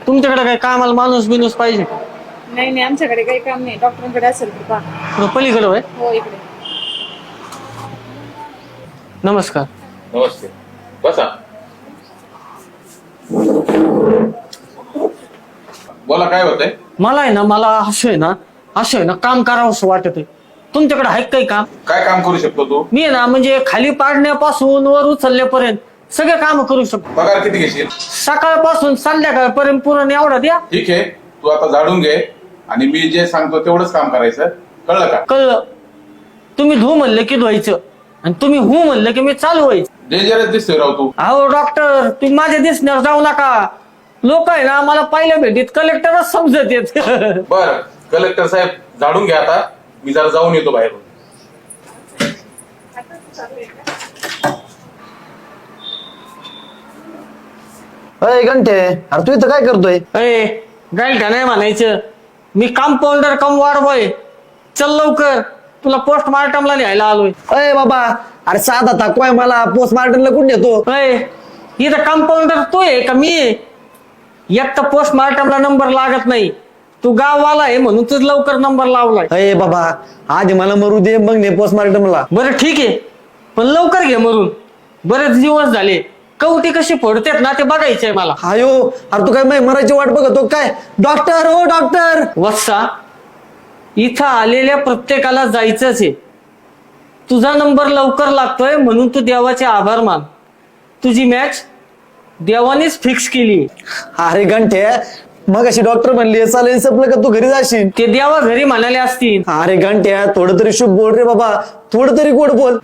तुमच्याकडे काय कामाला माणूस बिनूस पाहिजे का? नाही नाही, आमच्याकडे काही काम नाही. डॉक्टरांकडे असेल तर पहा. थोडं पलीकडे होय. हो, इकडे. नमस्कार. नमस्ते, बसा. बोला, काय होतंय? मला आहे ना, मला असं आहे ना काम करावंसं वाटत आहे. तुमच्याकडे आहे काही काम? काय काम करू शकतो तू? मी आहे ना म्हणजे खाली पाडण्यापासून वर उचलल्यापर्यंत सगळे काम करू शकतो. पगार किती घेशील? सकाळपासून संध्याकाळपर्यंत पूर्ण एवढा द्या. ठीक आहे, तू आता झाडून घे आणि मी जे सांगतो तेवढंच काम करायचं, कळलं का? कळलं. तुम्ही धू म्हणलं की धुवायचं आणि तुम्ही हो म्हणलं की मी चालू व्हायचं. डेंजरस दिसतोय राव तू. अहो डॉक्टर, तुम्ही माझ्या दिसण्यावर जाऊ नका. लोक आहे ना मला पहिल्या भेटीत कलेक्टरच समजत येत. बर, कलेक्टर साहेब झाडून घ्या आता, मी जरा जाऊन येतो बाहेरून. अय घंटे, अरे तू इथं काय करतोय? गाईल का नाही म्हणायचं. मी कंपाऊंडर कम वार्ड बॉय. चल लवकर, तुला पोस्टमार्टमला न्यायला आलोय. अय बाबा, अरे साधा ताकवाय मला पोस्टमार्टमला कुठे नेतो? इथं कंपाऊंडर तू आहे का मी आहे? एक तर पोस्टमार्टमला नंबर लागत नाही. तू गाववाला आहे म्हणून तुझ लवकर नंबर लावलाय. अय बाबा, आधी मला मरू दे, मग ने पोस्टमार्टमला. बरं ठीक आहे, पण लवकर घे मरून. बरेच दिवस झाले. कवटी कशी फोडतात ना ते बघायचंय मला. हायो, अरे तू काय मरायची वाट बघतो काय? डॉक्टर, हो डॉक्टर. वत्सा, इथं आलेल्या प्रत्येकाला जायचंच आहे. तुझा नंबर लवकर लागतोय म्हणून तू देवाचे आभार मान. तुझी मॅच देवानेच फिक्स केली. अरे घंटे, मग अशी डॉक्टर म्हणली चालेल संपलं का तू घरी जाशील? ते देवा घरी म्हणाले असतील. अरे घंट्या, थोडं तरी शुभ बोल रे बाबा, थोडं तरी गोड बोल.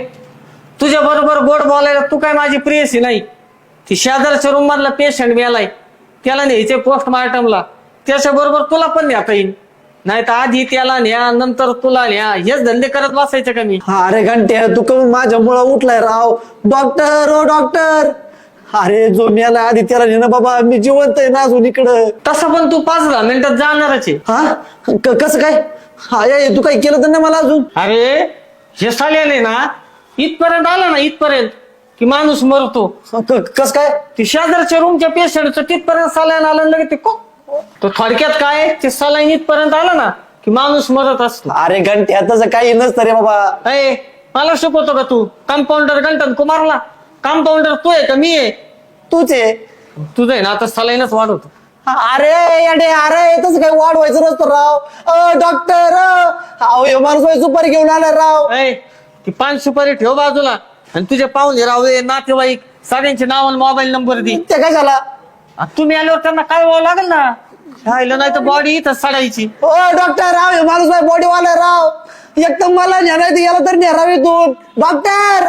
तुझ्या बरोबर गोड बोलायला तू काय माझी प्रियसी नाही. ती शेजारच्या रूम मधला पेशंट मेलाय, त्याला न्यायचे पोस्टमार्टमला. त्याच्या बरोबर तुला पण न्याता येईल. नाही तर आधी त्याला न्या, नंतर तुला न्या. हेच धंदे करत बसायचे का मी? अरे घंट्या, तू करून माझ्या मुळा उठलाय राव. डॉक्टर, ओ डॉक्टर. अरे जो मेला आधी त्याला नेणं बाबा, मी जिवंत आहे ना अजून इकडं. तसं पण तू 5-10 मिनिटात जाणारच आहे. हा, कसं काय? हा, तू काही केलं तर नाही मला अजून? अरे हे साल्याने ना इथपर्यंत आला ना, इथपर्यंत की माणूस मरतो. कस काय? ती शेजारच्या रूमच्या पेशंटचं तिथपर्यंत सलाईन आलं लगे ते तो थोडक्यात काय, ते सलाईन इथपर्यंत आला ना की माणूस मरत असतो. अरे घंट्या, तसं काही नसतं रे बाबा. मला शिकवतो का तू? कंपाऊंडर गंटन कुमारला कंपाऊंडर तू आहे का मी आहे? तूच आहे. तुझं आहे ना आता सलाईनच वाढवतो. अरे अरे तसं काही वाढवायचं नसतं राव. डॉक्टर, अहो माणूस सुपारी घेऊन आला राव. ती 5 सुपारी ठेव बाजूला आणि तुझे पाहुणे राहू नातेवाईक सगळ्यांचे नाव आणि मोबाईल नंबर दे. ते काय झाला? तुम्ही आल्यावर त्यांना काय व्हावं लागेल ना. राहिलं नाही तर बॉडी इथंच सडायची. ओ डॉक्टर, राव माणूस बॉडीवाला राव. एकदम मला न्यायला याला तर न्यारावी तू. Doctor,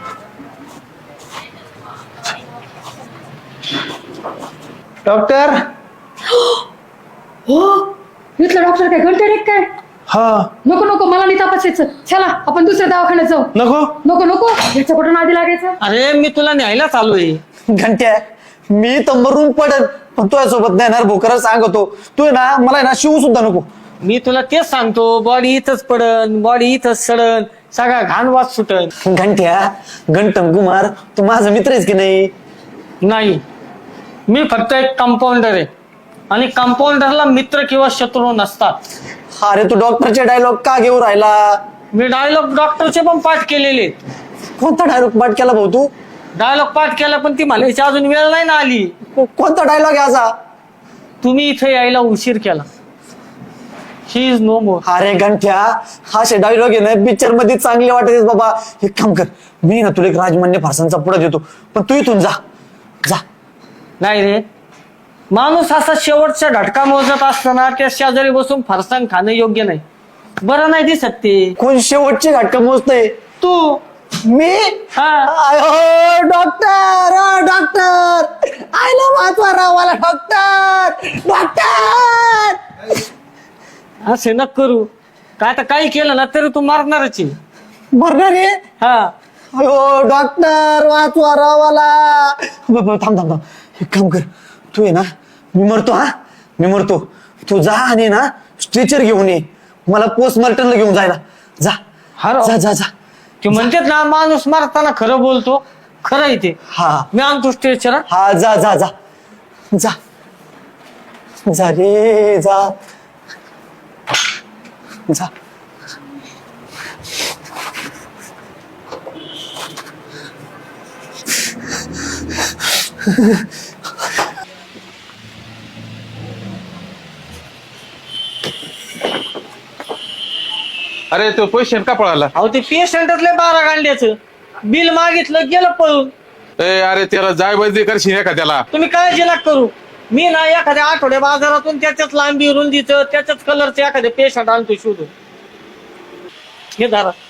doctor. हो, इथला डॉक्टर काय घंटे रे काय? हा, नको नको, मला नाही तपासायचं. चला आपण दुसऱ्या दवाखान्यात जाऊ. नको नको नको, याच्या कुठं आधी लागायचं. अरे मी तुला न्यायला चालूय. घंट्या, मी तर मरून पडत पण तुझ्या सोबत नाही येणार. भोकरच सांगतो, तू ना मला ना शिव सुद्धा नको. मी तुला तेच सांगतो, बॉडी इथंच पडन, बॉडी इथंच सडन, सगळा घाण वास सुटन. घंट्या, गंटम कुमार, तू माझा मित्र आहेस की नाही? नाही, मी फक्त एक कंपाऊंडर आहे आणि कंपाऊंडरला मित्र किंवा शत्रू नसतात. अरे तू डॉक्टरचे डायलॉग का घेऊ राहिला? मी डायलॉग डॉक्टरचे पण पाठ केलेले. कोणता डायलॉग पाठ केला भाऊ तू? डायलॉग पाठ केला पण ती म्हणायची अजून वेळ नाही ना आली. कोणता डायलॉग आहे असा? तुम्ही इथे यायला उशीर केला. He is no more. अरे घंट्या, असे डायलॉग आहे ना पिक्चर मध्ये चांगले वाटत बाबा. एक काम कर, मी ना तुला एक राजमान्य फारसांचा पुढे देतो, पण तू इथून जा. जा. नाही रे, माणूस असा शेवटचा झटका मोजत असताना त्या शेजारी बसून फरसाण खाणं योग्य नाही. बरं नाही दिसत ते. कोण शेवटचे घाटका मोजतय? तू. मी? हा, डॉक्टर, डॉक्टर, आयला वाचवा राव मला. Doctor, doctor. असे न करू. काय तर काही केलं ना तरी तू मारणारच आहे. मरणार आहे? हा, अयो डॉक्टर, वाचवा राव मला. थांब थांब थांब, एक काम कर, तू आहे ना, मी मरतो. हा, मी मरतो. तू जा आणि ना स्ट्रेचर घेऊन ये, मला पोस्टमार्टमला घेऊन जायला. जा जा जा जा. ते म्हणतात ना माणूस मारताना खरं बोलतो. खरं आहे ते. हा, मी आणतो स्ट्रेचर. हा, जा जा जा जा. जा रे जा जा. अरे तो पेशंट का पळाला? अहो ते पेशंटच लय 12 गांड्याचं बिल मागितलं गेलं पळून. अरे त्याला जाय बंदी करशील का त्याला? तुम्ही काळजी नका करू. मी ना एखाद्या आठवड्या बाजारातून त्याच्याच लांबी रुंदीचं त्याच्याच कलरचं एखाद्या पेशंट आणतो शोधून. हे धरा.